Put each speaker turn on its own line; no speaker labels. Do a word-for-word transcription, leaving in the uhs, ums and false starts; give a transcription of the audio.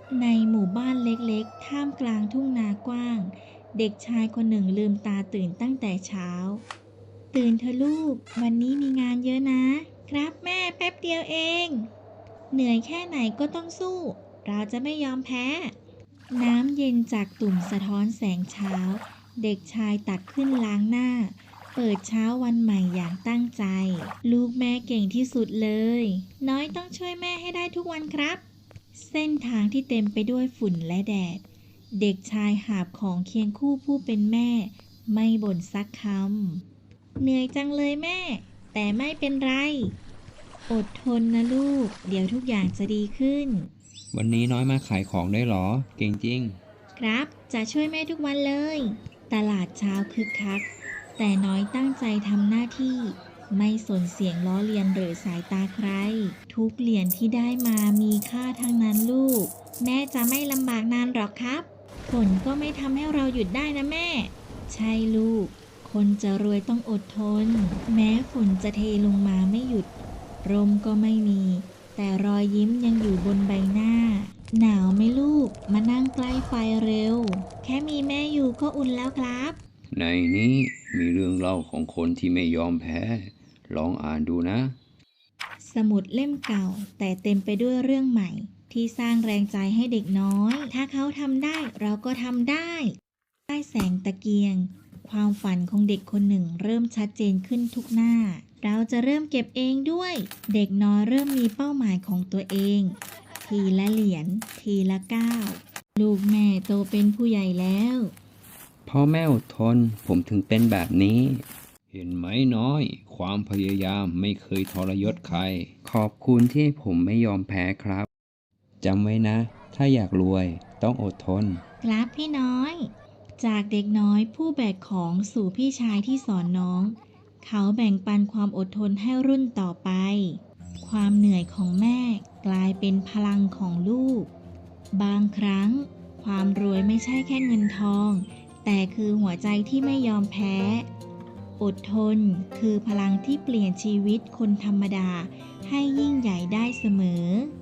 ในหมู่บ้านเล็กๆท่ามกลางทุ่งนากว้างเด็กชายคนหนึ่งลืมตาตื่นตั้งแต่เช้าตื่นเถอะลูกวันนี้มีงานเยอะนะครับแม่แป๊บเดียวเองเหนื่อยแค่ไหนก็ต้องสู้เราจะไม่ยอมแพ้น้ำเย็นจากตุ่มสะท้อนแสงเช้าเด็กชายตักขึ้นล้างหน้าเปิดเช้าวันใหม่อย่างตั้งใจลูกแม่เก่งที่สุดเลยน้อยต้องช่วยแม่ให้ได้ทุกวันครับ เส้นทางที่เต็มไปด้วยฝุ่นและแดดเด็กชายหาบของเคียงคู่ผู้เป็นแม่ไม่บ่นสักคำเหนื่อยจังเลยแม่แต่ไม่เป็นไรอดทนนะลูกเดี๋ยวทุกอย่างจะดีขึ้น
วันนี้น้อยมาขายของได้หรอเก่งจริง
ครับจะช่วยแม่ทุกวันเลยตลาดเช้าคึกคักแต่น้อยตั้งใจทำหน้าที่ไม่สนเสียงล้อเลียนหรือสายตาใครทุกเหรียญที่ได้มามีค่าทั้งนั้นลูกแม่จะไม่ลำบากนานหรอกครับฝนก็ไม่ทำให้เราหยุดได้นะแม่ใช่ลูกคนจะรวยต้องอดทนแม้ฝนจะเทลงมาไม่หยุดลมก็ไม่มีแต่รอยยิ้มยังอยู่บนใบหน้าหนาวไหมลูกมานั่งใกล้ไฟเร็วแค่มีแม่อยู่ก็อุ่นแล้วครับ
ในนี้มีเรื่องเล่าของคนที่ไม่ยอมแพ้ลองอ่านดูนะ
สมุดเล่มเก่าแต่เต็มไปด้วยเรื่องใหม่ที่สร้างแรงใจให้เด็กน้อยถ้าเขาทำได้เราก็ทำได้ใต้แสงตะเกียงความฝันของเด็กคนหนึ่งเริ่มชัดเจนขึ้นทุกหน้าเราจะเริ่มเก็บเองด้วยเด็กน้อยเริ่มมีเป้าหมายของตัวเองทีละเหรียญทีละก้าวลูกแม่โตเป็นผู้ใหญ่แล้ว
พ่อแม่อดทนผมถึงเป็นแบบนี้เห็นไหมน้อยความพยายามไม่เคยทรยศใครขอบคุณที่ผมไม่ยอมแพ้ครับจำไว้นะถ้าอยากรวยต้องอดทน
ครับพี่น้อยจากเด็กน้อยผู้แบกของสู่พี่ชายที่สอนน้องเขาแบ่งปันความอดทนให้รุ่นต่อไปความเหนื่อยของแม่กลายเป็นพลังของลูกบางครั้งความรวยไม่ใช่แค่เงินทองแต่คือหัวใจที่ไม่ยอมแพ้อดทนคือพลังที่เปลี่ยนชีวิตคนธรรมดาให้ยิ่งใหญ่ได้เสมอ